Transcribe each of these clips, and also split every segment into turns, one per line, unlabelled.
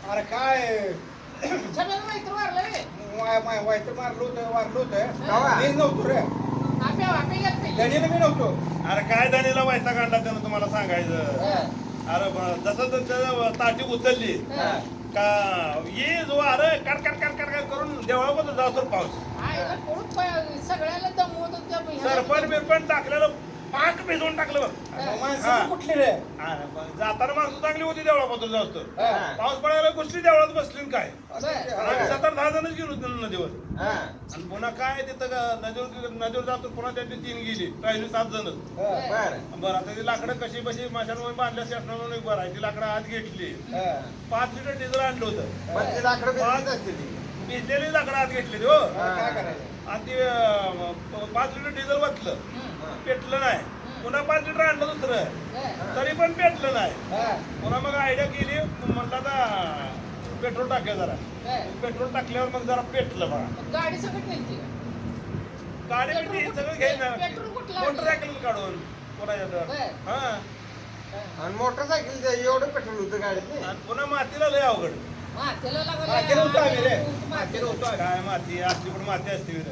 अरे काय
छब्याला माहिती वारलं रे.
वाईट वारलो होतं
कवा?
मीच नव्हतो रे.
आपे गेलं ते.
गणीला मी नव्हतो.
अरे काय दानीला व्हायचा काढला त्यानं तुम्हाला सांगायचं. अरे जसं त्याचं ताटी उचलली का ये जो अरे काट काट काट काट काट करून देवळामध्ये जातो पाऊस.
आईला कोण सगळ्याला दमवत होतं.
सरपण बिरपण टाकलेलं पाक भिजवून टाकलं बघ.
माणसं कुठली रे?
अरे जाताना माणसं चांगली होती देवळापासून जास्त.
हा.
पाऊस पडायला कुठली देवळात बसली न काय.
बरं.
आम्ही 7-10 जणच गेलो होतो नदीवर. आणि पुन्हा काय तिथं नदीवर जातो पुन्हा त्यांची 3 गेली राहिली 7 जण. बरं आता ती लाकडं कशी बशी माशांवर बांधल्या शासनानं एक बरं आहे ती लाकडं आत घेतली. 5 लिटर डिझेल आणलं होतं. भिजलेली लाकडं आत घेतली हो.
काय करायचं?
आणि ते 5 लिटर डिझेल वाचलं पेटलं नाही. पुन्हा 5 लिटर आणलं दुसरं तरी पण पेटलं नाही. पुन्हा मग आयडिया केली म्हणलं आता पेट्रोल टाकूया जरा. पेट्रोल टाकल्यावर मग जरा पेटलं बघा.
गाडी सगळं नेलती.
गाडी बिडी सगळं घ्यायचं
पेट्रोल कुठलं?
मोटरसायकल काढून कोणाच्या हा.
आणि मोटरसायकल एवढं पेट्रोल होतं गाडीत.
आणि पुन्हा मातीला लय अवघड.
मातेला
मातीला होतो आम्ही रे. मातीला
लागलं.
होतो.
काय माती असली पण माती असते विरे.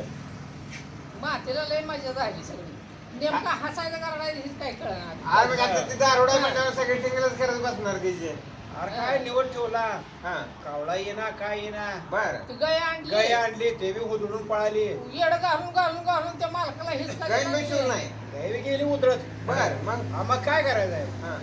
मातेला लय मजा झाली सगळी. नेमका हसायचं कारण हेच काय कळणार.
अरे मग आता ती दारोडा म्हटल्यावर सगळे टिंगलच करत बसणार की.
अरे काय निवड ठेवला.
हा
कावळा येना काय येना.
बर
ती गाय आणली.
गाय आणली ते बी उधळून पळाली.
येड घालून त्या मालकाला हेच काय
गाई मिळून नाही.
गाय बी गेली उधळत.
बर मग
हा, मग काय करायचंय?
हा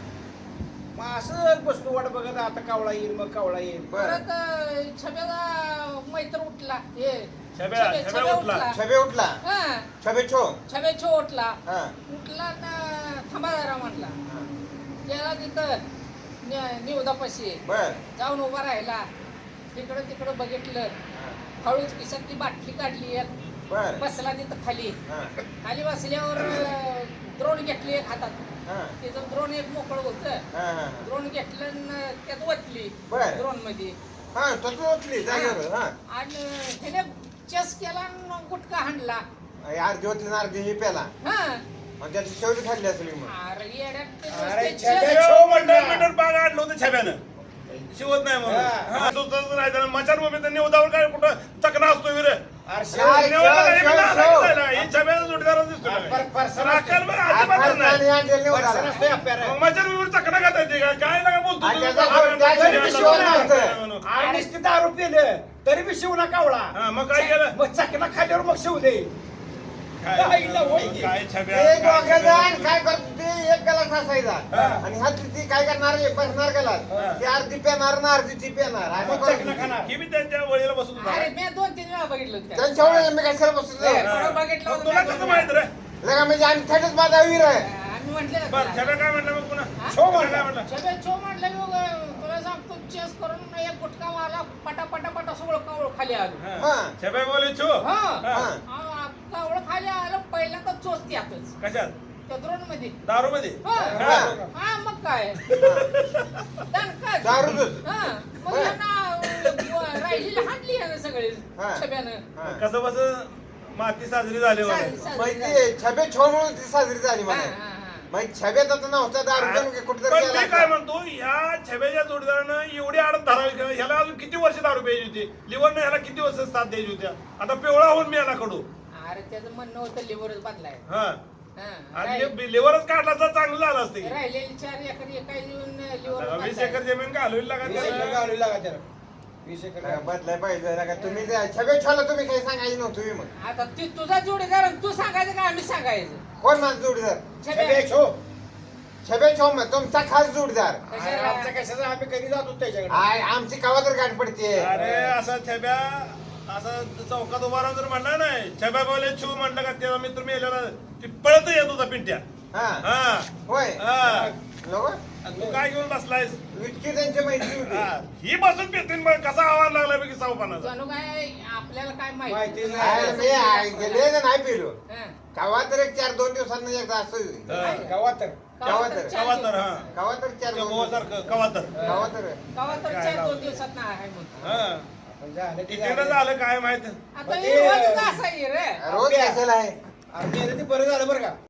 मग असं बसतो वाट बघत आता कावळा येईल मग कावळा येईल.
बर
परत छब्याला मैत्र उठला. हे
छब्या उठला.
छबे उठला
हा
छबे छो
छबे छो उठला.
हा
उठला ना थांबा जरा म्हटला.
हा.
गेला तिथं निवदापाशी
बर
जाऊन उभा राहिला. तिकडं तिकडं बघितलं.
हा.
हळूच खिशातली बाटली काढली एक.
बर
बसला तिथं खाली.
हा
खाली बसल्यावर द्रोण घेतली एक हातात.
हा
तिथं द्रोण एक मोकळं होतं.
हा हा
द्रोण घेतलं आणि त्यात वतली
बर.
द्रोण मध्ये.
हा तसं उठली जागेवर. हा
आणि त्याने चेस केला आणि गुटखा हाणला.
अर्धी होती ना अर्धी ही प्याला
हा
आणि त्याची शेवटी खाल्ली असेल मग.
अरे येड्यात ते
अरे
नुसते
छब्या
chess-
छो म्हणला.
मीटर बाग आणलं होतं छब्यानं. शिवत नाही म्हणून.
हा.
हा, सुचतच नाही त्याला. मचार उभे तर निवदावर काय कुठं चकना असतो विरे.
अरे
काय?
निवडला काय
शेव,
बी नाला
शेव.
दिसायला. ही छब्याचा जोडीदारच दिसतो
पर-
काय.
परसा
राखेल बघ,
आज
अजिबातच
फारसा
नाही.
आणि आणलेली
वर्षा
उधारा.
नसतोय आपल्याला.
मग मचार उभे चकना खाता येते का? काय नका बोलतो
आणि
तुम्ही?
त्याचा
हा,
जोड- त्याचा
हा,
बी
हा,
शिवला
हा,
नव्हतं.
म्हणून.
आणि नुसती दारू पिलं तरी बी शिवला कावळा.
हा, मग काय केलं?
मग चकना खाल्यावर मग शिव दे. काय इला होय की?
काय छब्या
एक
काय
वागायचा
छब्या?
आणि काय करतो ते एक गलास असायचा.
हा.
आणि हा ती काय करणार बसणार गलास.
हा.
ती अर्धी पेणार ना अर्धी ती पेणार. असं
मग
करत
चकना
होती.
खाणार.
ही बी त्यांच्या वळीला बसत होता.
अरे मी 2-3 वेळा बघितलं होतं.
त्यांच्या वेळेला मी कशाला बसतो
ए,
हा.
परवा बघितलं
मग
होतं
तुला
मी.
कसं माहित रे?
लगा म्हणजे आणि थेटच माझा वीर आहे.
आम्ही म्हटलं
बरं छब्या काय म्हणलं मग पुन्हा?
हा?
छो
छब्या काय म्हणलं?
छबे छो म्हटलं मग तुला सांगतो चेस करून एक गुटखा मारला. पटा सगळं कावळ खाली आलं.
हा.
हा.
छब्या बोले छो.
हा.
हा.
कावळ खाली आलं पहिल्यांदा चोच त्यातच
कशात?
त्या द्रोण मध्ये.
दारू मध्ये.
हा मग काय दणकच.
दारूच.
हा मग यांना राहिलेली हाणली यानं सगळे
हा.
छब्यानं.
हा.
कसं बस माती साजरी झाली
साजरी-
म्हणायचं.
साजरी
माहिती छबे छो म्हणून ती साजरी झाली
हा,
मला.
हा, हा.
माहिती छब्यात आता नव्हता दारू कुठेतरी
पण मी
गेला
काय
असता.
म्हणतो या छब्याच्या जोडीदारानं एवढी आडत धरावी का? ह्याला अजून किती वर्ष दारू प्यायची होती? लिव्हरनं ह्याला किती वर्ष साथ द्यायची होत्या? आता पिवळा होऊन मी याला कडू.
अरे त्याचं म्हणणं होतं लिव्हरच बांधलाय.
हा
हा.
आणि लिव्हरच काढला तर चांगलं झालं असतं की.
राहिलेली 4 एकर एका येऊन
आता
लिव्हर
20 एकर जमीन घालवी लागा
20 एकर
त्याला.
घालू लागा त्याला. 20 एकर
लगा बदलाय पाहिजे लगा तुम्ही छबे छोला तुम्ही काही सांगायचं नव्हतं तुम्ही मग.
आता ती तुझा जोडीदार आणि तू सांगायचं का आम्ही सांगायचं?
कोण माझा जोडीदार?
छब्या.
छबे छो.
छबे छो मग तुमचा खास जोडीदार.
अरे आमचा कशाचा आम्ही कधी जातो त्याच्याकडे.
आमची कवा तर गाठ पडते.
अरे असा छब्या असं चौकात उभा राहून जर म्हणला नाही छब्या बोले छू म्हणलं का तेव्हा मित्र मी यायला ती पळत येत होता पिंट्या.
हा
हा
होय
हा.
नको
आणि तू काय घेऊन बसलायस?
इतकी त्यांची मैत्री होती.
हा. ही बसून पितीन मग कसा आवाज लागला बघ सावपानाचा.
जणू काय आपल्याला काय
माहिती
माहिती
नाही.
अरे मी गेले ना नाही पिलो
हा.
कवा तर एक 4-2 दिवसांना एकदा असं
हा.
गावात तर.
कवा तर.
कवा तर हा
कवा तर 4-2
गोवासारखं कवा तर.
कवा तर
कवा तर
काय
4-2 दिवसात ना आहे म्हणतो.
हा.
आपण झालं ते
कितीनं
झालं.
झालं काय माहित.
आता
मग
हे
ते-
रोजच असं आहे रे.
रोज कशाला आहे.
अरे ते बरं झालं बरं का.